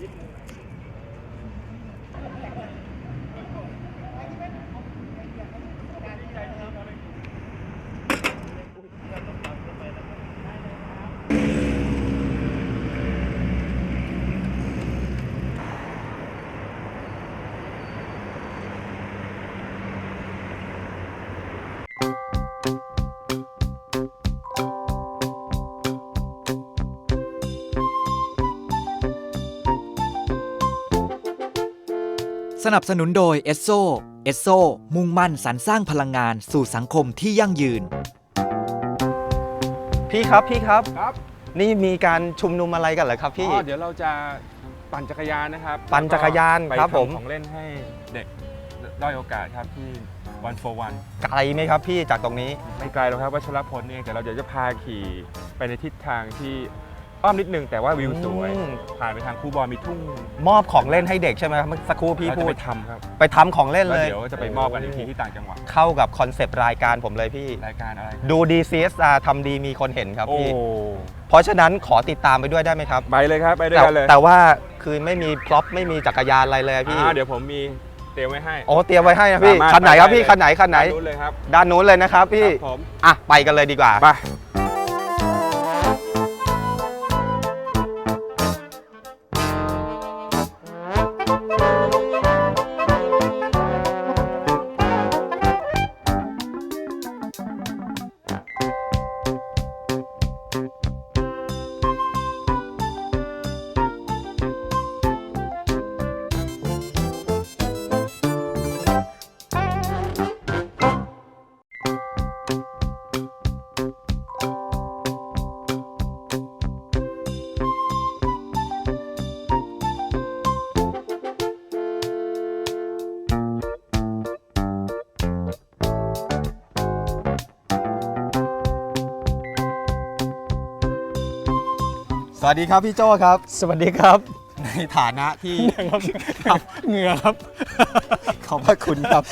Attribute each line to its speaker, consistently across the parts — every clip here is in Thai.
Speaker 1: สนับสนุนโดยเอสโซมุ่งมั่นสรรสร้างพลังงานสู่สังคมที่ยั่งยืน
Speaker 2: พี่ครับ
Speaker 3: ครับ
Speaker 2: นี่มีการชุมนุมอะไรกันเหรอครับพี่
Speaker 3: เดี๋ยวเราจะปั่นจักรยานนะครับ
Speaker 2: ปั่นจักรยานครับผม
Speaker 3: ไปทำของเล่นให้เด็กด้อยโอกาสครับที่ One for One
Speaker 2: ไกลไหมครับพี่จากตรงนี้
Speaker 3: ไม่ไกลหรอกครับวัชรพลเองแต่เราเดี๋ยวจะพาขี่ไปในทิศทางที่อ้อมนิดนึงแต่ว่าวิวสวยผ่านไปทางคูบอลมีทุ่ง
Speaker 2: มอบของเล่นให้เด็กใช่ไหมครับเมื่อสักครู่พี่พูด
Speaker 3: ไปทำครับ
Speaker 2: ไปทำของเล่นเลย
Speaker 3: เดี๋ยวจะไปมอบกันอีกทีที่ต่างจังหวัด
Speaker 2: เข้ากับคอนเซปต์รายการผมเลยพี่
Speaker 3: รายการอะไร
Speaker 2: ดูดี CSR ทำดีมีคนเห็นครับพี่
Speaker 3: โอ้
Speaker 2: เพราะฉะนั้นขอติดตามไปด้วยได้ไหมครับ
Speaker 3: ไปเลยครับไปด้วยกันเลย
Speaker 2: แต่ว่าคือไม่มีพร็อพไม่มีจักรยานอะไรเลยพี่
Speaker 3: เดี๋ยวผมมีเตรียมไว้ให้
Speaker 2: โอ้เตรียมไว้ให้นะพี่คันไหนครับพี่คันไหน
Speaker 3: ด้านนู้นเลยครับ
Speaker 2: ด้านนู้นเลยนะครับพี่
Speaker 3: ผม
Speaker 2: ไปกันเลยดีกว่า
Speaker 3: ไป
Speaker 2: สวัสดีครับพี่โจ้ครับ
Speaker 4: สวัสดีครับ
Speaker 2: ในฐานะที่
Speaker 4: ครับเหงื่อครับ
Speaker 2: ขอบพระคุณครับ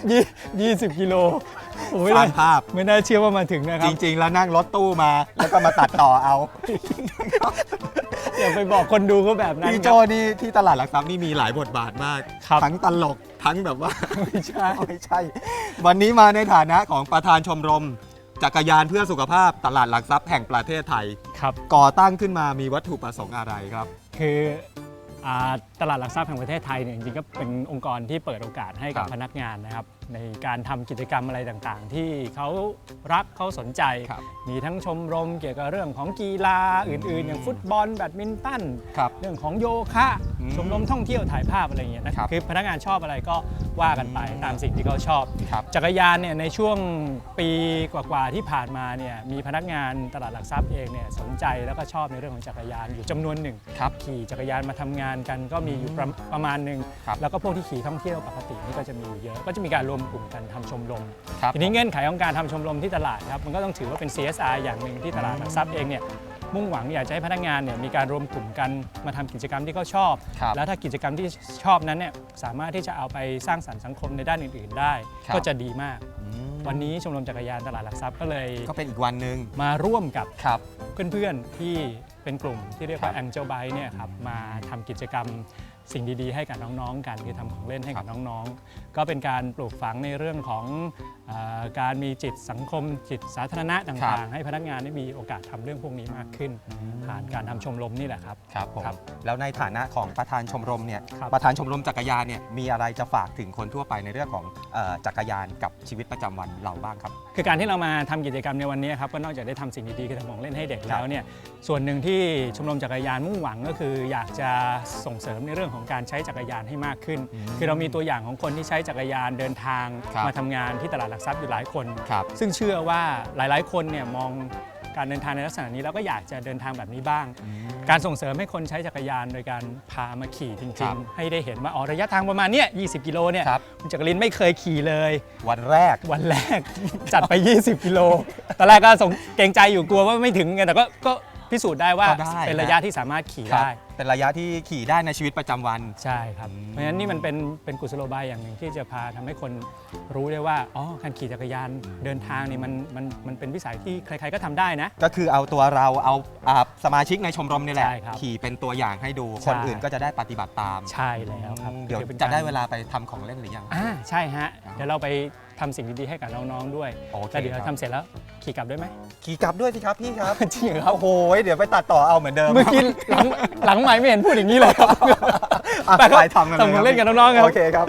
Speaker 4: 20 กิโล
Speaker 2: สร้างภาพ
Speaker 4: ไม่น่าเชื่อว่ามาถึงนะครับ
Speaker 2: จริงๆแล้วนั่งรถตู้มาแล้วก็มาตัดต่อเอา
Speaker 4: อย่าไปบอกคนดูก็แบบนั้น
Speaker 2: พี่โจ้นี่ที่ตลาดหลักทรัพย์นี่มีหลายบทบาทมากทั้งตลกทั้งแบบว่า
Speaker 4: ไม่ใช่
Speaker 2: วันนี้มาในฐานะของประธานชมรมจักรยานเพื่อสุขภาพตลาดหลักทรัพย์แห่งประเทศไทย
Speaker 4: ครับ
Speaker 2: ก่อตั้งขึ้นมามีวัตถุประสงค์อะไรครับ
Speaker 4: คือตลาดหลักทรัพย์แห่งประเทศไทยเนี่ยจริงๆก็เป็นองค์กรที่เปิดโอกาสให้กับพนักงานนะครับในการทำกิจกรรมอะไรต่างๆที่เขารักเขาสนใจมีทั้งชมรมเกี่ยวกับเรื่องของกีฬาอื่นๆอย่างฟุตบอลแบดมินตันเรื่องของโยคะชมรมท่องเที่ยวถ่ายภาพอะไรอย่างเงี้ยนะครับคือพนักงานชอบอะไรก็ว่ากันไปตามสิ่งที่เขาชอบจักรยานเนี่ยในช่วงปีกว่าๆที่ผ่านมาเนี่ยมีพนักงานตลาดหลักทรัพย์เองเนี่ยสนใจแล้วก็ชอบในเรื่องของจักรยานอยู่จำนวนหนึ่งขี่จักรยานมาทำงานกันก็มีอยู่ประมาณหนึ่งแล้วก็พวกที่ขี่ท่องเที่ยวปกตินี่ก็จะมีอยู่เยอะก็จะมีการรวมกลุ่มกันทำชมรมทีนี้เงื่อนไขของการทำชมรมที่ตลาดครับมันก็ต้องถือว่าเป็น CSR อย่างหนึ่งที่ตลาดหลักทรัพย์เองเนี่ยมุ่งหวังอยากจะให้พนักงานเนี่ยมีการรวมกลุ่มกันมาทำกิจกรรมที่เขาชอบแล้วถ้ากิจกรรมที่ชอบนั้นเนี่ยสามารถที่จะเอาไปสร้างสรรค์สังคมในด้านอื่นๆได้ก็จะดีมากวันนี้ชมรมจักรยานตลาดหลักทรัพย์ก็เลย
Speaker 2: ก็เป็นอีกวันหนึ่ง
Speaker 4: มาร่วมกับเพื่อนๆที่เป็นกลุ่มที่เรียกว่า Angel Bike เนี่ยครับมาทำกิจกรรมสิ่งดีๆให้กับน้องๆกันคือทำของเล่นให้กับน้องๆก็เป็นการปลูกฝังในเรื่องของการมีจิตสังคมจิตสาธารณะต่างๆให้พนักงานได้มีโอกาสทำเรื่องพวกนี้มากขึ้นผ่านการทำชมรมนี่แหละครับ
Speaker 2: ครับผมแล้วในฐานะของประธานชมรมเนี่ยประธานชมรมจักรยานเนี่ยมีอะไรจะฝากถึงคนทั่วไปในเรื่องของจักรยานกับชีวิตประจำวันเราบ้างครับ
Speaker 4: คือการที่เรามาทำกิจกรรมในวันนี้ครับก็นอกจากได้ทำสิ่งดีๆคือทำของเล่นให้เด็กแล้วเนี่ยส่วนหนึ่งที่ชมรมจักรยานมุ่งหวังก็คืออยากจะส่งเสริมในเรื่องของการใช้จักรยานให้มากขึ้นคือเรามีตัวอย่างของคนที่ใช้จักรยานเดินทางมาทำงานที่ตลาดหลักทรัพย์อยู่หลายคนซึ่งเชื่อว่าหลายๆคนเนี่ยมองการเดินทางในลักษณะนี้แล้วก็อยากจะเดินทางแบบนี้บ้างการส่งเสริมให้คนใช้จักรยานโดยการพามาขี่จริงๆให้ได้เห็นว่าระยะทางประมาณนี้20 กิโลเนี่ยคุณจักรินไม่เคยขี่เลย
Speaker 2: วันแรก
Speaker 4: จัดไป20 กิโลตอนแรกก็เกรงใจอยู่กลัวว่าไม่ถึงไงแต่ก็พิสูจน์ได้ว่า
Speaker 2: ก็ได้
Speaker 4: เป็นระยะที่สามารถขี่
Speaker 2: ครับ
Speaker 4: ได้
Speaker 2: เป็นระยะที่ขี่ได้ในชีวิตประจำวัน
Speaker 4: ใช่ครับ เพราะฉะนั้นนี่มันเป็นกุศโลบายอย่างหนึ่งที่จะพาทำให้คนรู้ได้ว่าอ๋อการขี่จักรยานเดินทางนี่มันเป็นวิสัยที่ใครๆก็ทำได้นะ
Speaker 2: ก็คือเอาตัวเราเอาสมาชิกในชมรมนี่แหละ
Speaker 4: ใช่ครับ
Speaker 2: ขี่เป็นตัวอย่างให้ดู
Speaker 4: ใช่
Speaker 2: คนอื่นก็จะได้ปฏิบัติตาม
Speaker 4: ใช่แล้วครับ
Speaker 2: เดี๋ยว
Speaker 4: คือป็น
Speaker 2: จะได้
Speaker 4: กร
Speaker 2: เวลาไปทำของเล่นหรือยัง
Speaker 4: ใช่ฮะเดี๋ยวเราไปทำสิ่งดีๆให้กับน้องๆด้วย
Speaker 2: โอเค
Speaker 4: แล้วเดี๋ยว
Speaker 2: ครับ
Speaker 4: ทำเสร็จแล้วขี่กลับด้วยไหม
Speaker 2: ขี่กลับด้วยสิครับพี่ครับ
Speaker 4: จริงเหรอครับ
Speaker 2: โอ้โหเดี๋ยวไปตัดต่อเอาเหมือนเดิม
Speaker 4: เมื่อกี้หลังไม่เห็นพูดอย่างนี้เลยครับ
Speaker 2: อ่ะ
Speaker 4: ไปครับ
Speaker 2: ไปทำกันเลย
Speaker 4: ทำของเล่นกับน้องๆครับ
Speaker 2: โอเคครับ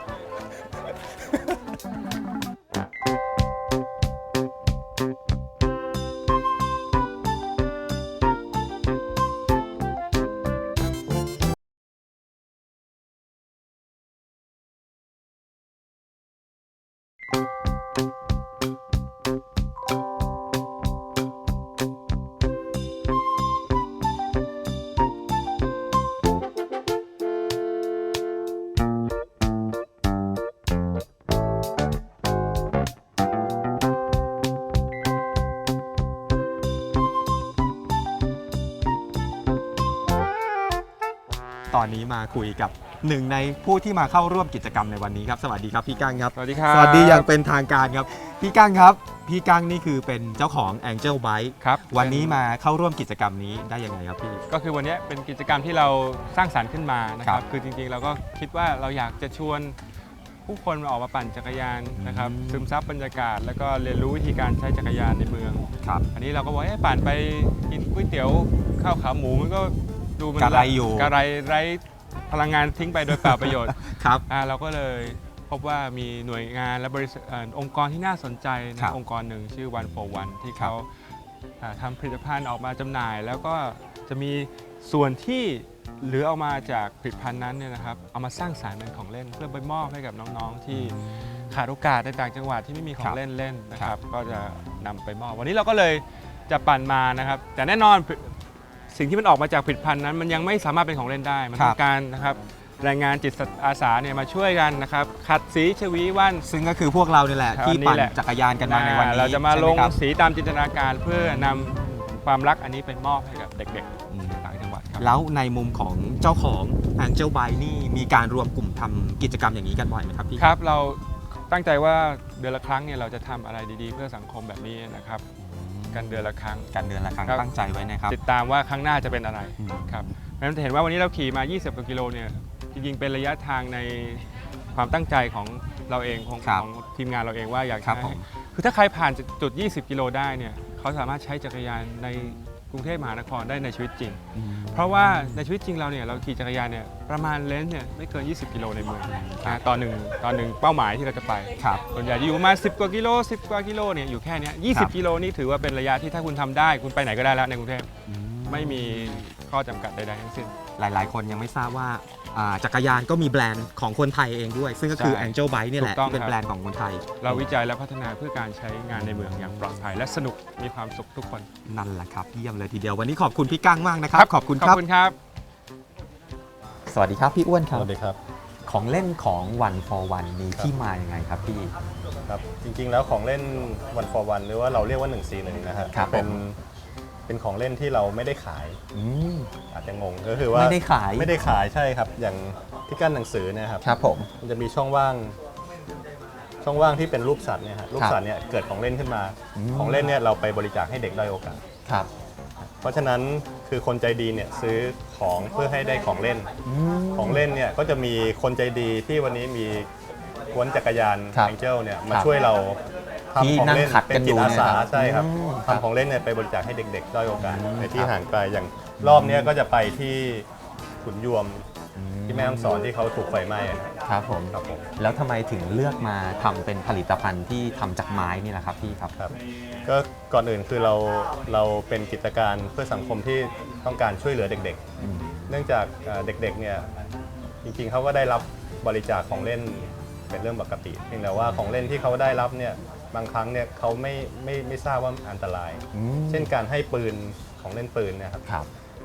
Speaker 2: ตอนนี้มาคุยกับหนึ่งในผู้ที่มาเข้าร่วมกิจกรรมในวันนี้ครับสวัสดีครับพี่กั้งครับ
Speaker 3: สวัสดีครับ
Speaker 2: สวัสดีอย่างเป็นทางการครับพี่กั้งครับพี่กั้งนี่คือเป็นเจ้าของ Angel Bike
Speaker 3: ครับ
Speaker 2: วันนี้มาเข้าร่วมกิจกรรมนี้ได้ยังไงครับพี่
Speaker 3: ก็คือวันนี้เป็นกิจกรรมที่เราสร้างสรรค์ขึ้นมานะค
Speaker 2: ครั
Speaker 3: รับ
Speaker 2: บ
Speaker 3: คือจริงๆเราก็คิดว่าเราอยากจะชวนผู้คนมาออกมาปั่นจักรยานนะครับ ซึมซับบรรยากาศ แล้วก็เรียนรู้วิธีการใช้จักรยานในเมือง
Speaker 2: ครับ
Speaker 3: อันนี้เราก็บอกปั่นไปกินก๋วยเตี๋ยวข้าวขาหมูมันก็ดูมัน
Speaker 2: กระไรอยู่
Speaker 3: กระไรไร้พลังงานทิ้งไปโดยเปล่าประโยชน์
Speaker 2: ครับ
Speaker 3: เราก็เลยพบว่ามีหน่วยงานและบริษัทองค์กรที่น่าสนใจ
Speaker 2: ครั
Speaker 3: นะ
Speaker 2: บ
Speaker 3: องค์กรหนึ่งชื่อ One for One ที่
Speaker 2: ครับ
Speaker 3: เขาทำผลิตภัณฑ์ออกมาจำหน่าย แล้วก็จะมีส่วนที่เหลือออกมาจากผลิตภัณฑ์นั้นเนี่ยนะครับเอามาสร้างสรรค์เป็นของเล่นเพื่อไปมอบให้กับน้องๆที่ขาดโอกาสในต่างจังหวัดที่ไม่มีขอ
Speaker 2: ครั
Speaker 3: ง
Speaker 2: บ
Speaker 3: เล่นเล่นนะค
Speaker 2: ครั
Speaker 3: รับบ ก็จะนำไปมอบวันนี้เราก็เลยจะปั่นมานะครับแต่แน่นอนสิ่งที่มันออกมาจากผลิตภัณฑ์นั้นมันยังไม่สามารถเป็นของเล่นได้มันต้องการนะครับแรงงานจิตอาสาเนี่ยมาช่วยกันนะครับขัดสีชวีวัน
Speaker 2: ซึ่งก็คือพวกเราเนี่ยแหละ
Speaker 3: ครับ
Speaker 2: ที่ปั่น
Speaker 3: นี่แหละ
Speaker 2: จักรยานกันมาในวันนี้
Speaker 3: เราจะมาลง
Speaker 2: ใช่ไหครับ
Speaker 3: สีตามจินตนาการเพื่อนำความรักอันนี้ไปมอบให้กับเด็กๆต่างจังหวัดครับ
Speaker 2: แล้วในมุมของเจ้าของ Angel Bike นี่มีการรวมกลุ่มทำกิจกรรมอย่างนี้กันบ่อยไหมครับพี่
Speaker 3: ครับเราตั้งใจว่าเดือนละครั้งเนี่ยเราจะทำอะไรดีๆ เพื่อสังคมแบบนี้นะครับกันเดือนละครั้ง
Speaker 2: กันเดือนละครั้ง
Speaker 3: ครับ
Speaker 2: ตั้งใจไว้นะครับ
Speaker 3: ติดตามว่าครั้งหน้าจะเป็นอะไร
Speaker 2: อืม
Speaker 3: ครับเพราะฉะนั้นจะเห็นว่าวันนี้เราขี่มา 20 กว่ากิโลเนี่ยจริงๆเป็นระยะทางในความตั้งใจของเราเองของทีมงานเราเองว่าอยาก
Speaker 2: ครับ
Speaker 3: จะ
Speaker 2: ผ
Speaker 3: ให้
Speaker 2: ม
Speaker 3: คือถ้าใครผ่านจุด 20 กิโลได้เนี่ยเขาสามารถใช้จักรยานในกรุงเทพมหานครได้ในชีวิตจริง เพราะว่าในชีวิตจริงเราเนี่ยเราขี่จักรยานเนี่ยประมาณเลนส์เนี่ยไม่เกิน 20 กิโลในเมืองนะต่อหนึ่งเป้าหมายที่เราจะไป
Speaker 2: ครับ
Speaker 3: ส่วนใหญ่จะอยู่ประมาณ10 กว่ากิโล 10 กว่ากิโลเนี่ยอยู่แค่เนี้ย
Speaker 2: ครับ
Speaker 3: 20 กิโลนี่ถือว่าเป็นระยะที่ถ้าคุณทำได้คุณไปไหนก็ได้แล้วในกรุงเทพไม่มีข้อจำกัดใดๆทั้งสิ้น
Speaker 2: หลายๆ คนยังไม่ทราบว่าจักรยานก็มีแบรนด์ของคนไทยเองด้วย ซึ่งก็คือ
Speaker 3: ใช่
Speaker 2: Angel Bike เนี่ยแหละ
Speaker 3: ถูกต้อง
Speaker 2: ที่เป็น
Speaker 3: ครับ
Speaker 2: แบรนด์ของคนไทย
Speaker 3: เราวิจัยและพัฒนาเพื่อการใช้งานในเมืองอย่างปลอดภัยและสนุกมีความสุขทุกคน
Speaker 2: นั่นแหละครับเยี่ยมเลยทีเดียววันนี้ขอบคุณพี่กั้งมากนะครับขอบคุณ
Speaker 3: ขอบ
Speaker 2: ครับ
Speaker 3: คุณครับ
Speaker 2: สวัสดีครับพี่อ้วนค
Speaker 5: ส
Speaker 2: รับ
Speaker 5: วัสดีครับ
Speaker 2: ของเล่นของ One for One มีที่มาอย่างไงครับพี่
Speaker 5: ครับ จริงๆแล้วของเล่น One for One หรือว่าเราเรียกว่า 141 นะฮะ
Speaker 2: ครับ
Speaker 5: เป็นของเล่นที่เราไม่ได้ขาย
Speaker 2: อืม
Speaker 5: อาจจะงงก็คือว่า
Speaker 2: ไม่ได้ขาย
Speaker 5: ไม่ได้ขายใช่ครับ อย่างที่กั้นหนังสือเนะครับ
Speaker 2: ครับผม
Speaker 5: มันจะมีช่องว่างที่เป็นรูปสัตว์เนี่ยฮะรูปสัตว์เนี่ยเกิดของเล่นขึ้นมา ของเล่นเนี่ยเราไปบริจาคให้เด็กด้อยโอกาส
Speaker 2: ครับ
Speaker 5: เพราะฉะนั้นคือคนใจดีเนี่ยซื้อของเพื่อให้ได้ของเล่น ของเล่นเนี่ยก็จะมีคนใจดีที่วันนี้มีกวนจักรยาน
Speaker 2: ครับ
Speaker 5: Angel เนี่ยมา
Speaker 2: ครับ
Speaker 5: ช่วยเรา
Speaker 2: ที่
Speaker 5: ทำของ
Speaker 2: นั่ง
Speaker 5: เล่น
Speaker 2: ขัด
Speaker 5: เป็
Speaker 2: กัน
Speaker 5: น
Speaker 2: อ
Speaker 5: จิตอาสา
Speaker 2: เนี่ยครับ
Speaker 5: ใช่ครับ
Speaker 2: ครับ
Speaker 5: ทำของเล่นเนี่ยไปบริจาคให้เด็กๆด้อยโอกาสในที่
Speaker 2: ครับ
Speaker 5: ห่างไกลอย่างรอบเนี้ยก็จะไปที่ขุนยวมที่แม่ฮ่องสอนที่เขาถูกไฟไหม้อะครับ
Speaker 2: ครับผม
Speaker 5: ครับผม
Speaker 2: แล้วทำไมถึงเลือกมาทำเป็นผลิตภัณฑ์ที่ทำจากไม้นี่แหละครับพี่ครับ
Speaker 5: ครับก็ก่อนอื่นคือเราเป็นกิจการเพื่อสังคมที่ต้องการช่วยเหลือเด็กๆ เนื่องจากเด็กๆเนี่ยจริงๆเขาก็ได้รับบริจาคของเล่นเป็นเรื่องปกติเพียงแต่ว่าของเล่นที่เขาได้รับเนี่ยบางครั้งเนี่ยเขาไม่ทราบว่าอันตราย เช่นการให้ปืนของเล่นปืนเนะครับ
Speaker 2: ครับ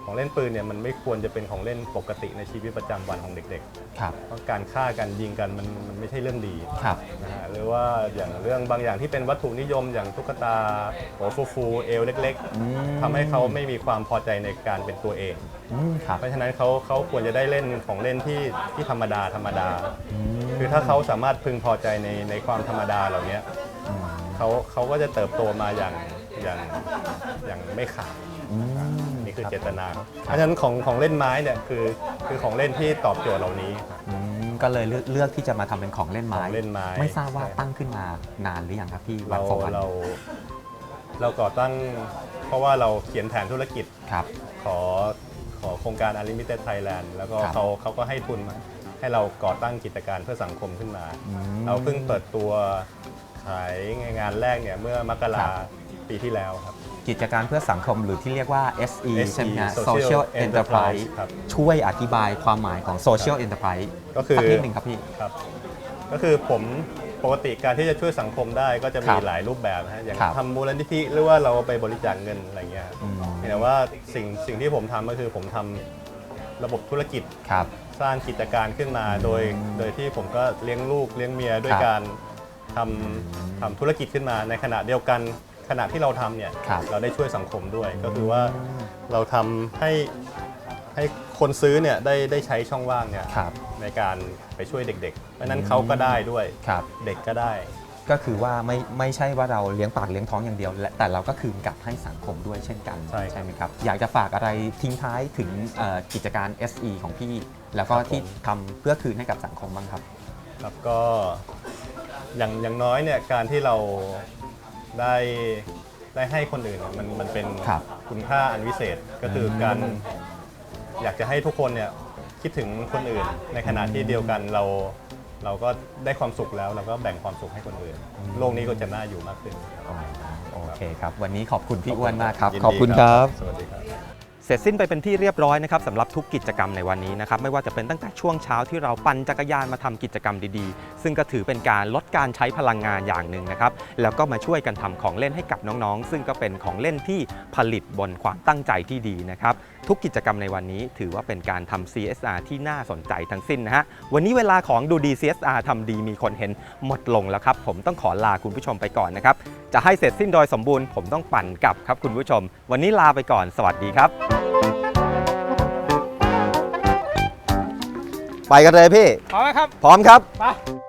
Speaker 5: ของเล่นปืนเนี่ยมันไม่ควรจะเป็นของเล่นปกติในชีวิตประจำวันของเด็ก
Speaker 2: ครับ
Speaker 5: ๆเพราะการฆ่ากันยิงกันมันไม่ใช่เรื่องดี
Speaker 2: ครับ
Speaker 5: นะฮะหรือว่าอย่างเรื่องบางอย่างที่เป็นวัตถุนิยมอย่างตุ๊กตาหัวฟูๆเอวเล็กๆทำให้เขาไม่มีความพอใจในการเป็นตัวเอง
Speaker 2: ครับ
Speaker 5: เพราะฉะนั้นเขาควรจะได้เล่นของเล่นที่ธรรมดาคือถ้าเขาสามารถพึงพอใจในความธรรมดาเหล่านี้เขาก็จะเติบโตมาอย่างไม่ขาดนี่คือเจตนาครับเพราะฉะนั้นของเล่นไม้เนี่ยคือของเล่นที่ตอบโจทย์เหล่านี้ครับ
Speaker 2: ก็เลยเลือกที่จะมาทำเป็นของเล่นไม้
Speaker 5: ของเล่นไม้
Speaker 2: ไม่ทราบว่า
Speaker 5: ใช่
Speaker 2: ตั้งขึ้นมานานหรือยังครับพี่วั
Speaker 5: เรา
Speaker 2: นสองวัน
Speaker 5: เราก่อตั้งเพราะว่าเราเขียนแผนธุรกิจ
Speaker 2: ครับ
Speaker 5: ขอโครงการ Unlimited Thailand แล้วก็
Speaker 2: ครับ
Speaker 5: เขาก็ให้ทุนมาให้เราก่อตั้งกิจการเพื่อสังคมขึ้นมา เราเพิ่งเปิดตัวขายงานแรกเนี่ยเมื่อมกราปีที่แล้วครับ
Speaker 2: กิจการเพื่อสังคมหรือที่เรียกว่า SE ใช่ไหมฮะ
Speaker 5: Social
Speaker 2: Social
Speaker 5: Enterprise
Speaker 2: Enterprise
Speaker 5: ครับ
Speaker 2: ช่วยอธิบายความหมายของ Social Enterprise
Speaker 5: ก็คือ
Speaker 2: สักนิดหนึ่งครับพี่
Speaker 5: ครับก็คือผมปกติการที่จะช่วยสังคมได้ก็จะ
Speaker 2: ครั
Speaker 5: มี
Speaker 2: บ
Speaker 5: หลายรูปแบบนะฮะอย่าง
Speaker 2: ครับ
Speaker 5: ทำมูลนิธิหรือว่าเราไปบริจาคเงินอะไรเงี้ย
Speaker 2: อืม
Speaker 5: แต่ว่าสิ่งที่ผมทำก็คือผมทำระบบธุรกิจ
Speaker 2: ครับ
Speaker 5: สร้างกิจการขึ้นมาโดยที่ผมก็เลี้ยงลูกเลี้ยงเมียด้วย
Speaker 2: ครับ
Speaker 5: การทำธุรกิจขึ้นมาในขณะเดียวกันขณะที่เราทำเนี่ย
Speaker 2: ครับ
Speaker 5: เราได้ช่วยสังคมด้วย ก็คือว่าเราทำให้คนซื้อเนี่ยได้ใช้ช่องว่างเนี่ย
Speaker 2: ครับ
Speaker 5: ในการไปช่วยเด็กๆเพราะฉะนั้นเขาก็ได้ด้วย
Speaker 2: ครับ
Speaker 5: เด็กก็ได้
Speaker 2: ก็คือว่าไม่ใช่ว่าเราเลี้ยงปากเลี้ยงท้องอย่างเดียวแต่เราก็คืนกลับให้สังคมด้วยเช่นกัน
Speaker 5: ใช่
Speaker 2: ไหมครับ อยากจะฝากอะไรทิ้งท้ายถึงกิจการ SE ของพี่ แล้วก็
Speaker 5: ครับผม
Speaker 2: ที่ทำเพื่อคืนให้กับสังคมบ้างครับ
Speaker 5: ครับก็อย่างน้อยเนี่ยการที่เราได้ให้คนอื่นเนี่ยมันเป็น
Speaker 2: ครับ
Speaker 5: คุณค่าอันวิเศษก็คือการอยากจะให้ทุกคนเนี่ยคิดถึงคนอื่น ในขณะที่เดียวกันเราก็ได้ความสุขแล้วเราก็แบ่งความสุขให้คนอื่น โลกนี้ก็จะน่าอยู่มากขึ้น
Speaker 2: โอเคครับ วันนี้ขอบคุณพี่อ้วนมากครับ
Speaker 5: ยินดี
Speaker 2: ขอบคุณครับ
Speaker 5: สวัสดีครับ
Speaker 2: เสร็จสิ้นไปเป็นที่เรียบร้อยนะครับสำหรับทุกกิจกรรมในวันนี้นะครับไม่ว่าจะเป็นตั้งแต่ช่วงเช้าที่เราปั่นจักรยานมาทำกิจกรรมดีๆ ซึ่งก็ถือเป็นการลดการใช้พลังงานอย่างหนึ่งนะครับแล้วก็มาช่วยกันทำของเล่นให้กับน้องๆ ซึ่งก็เป็นของเล่นที่ผลิตบนความตั้งใจที่ดีนะครับทุกกิจกรรมในวันนี้ถือว่าเป็นการทำ CSR ที่น่าสนใจทั้งสิ้นนะฮะวันนี้เวลาของดูดี CSR ทำดีมีคนเห็นหมดลงแล้วครับผมต้องขอลาคุณผู้ชมไปก่อนนะครับจะให้เสร็จสิ้นโดยสมบูรณ์ผมต้องปั่นกลับครับคุณผู้ชม วันนี้ลาไปก่อนสวัสดีครับไปกันเลยพี่
Speaker 3: พร้อมไหมครับ
Speaker 2: พร้อมครับ
Speaker 3: ไป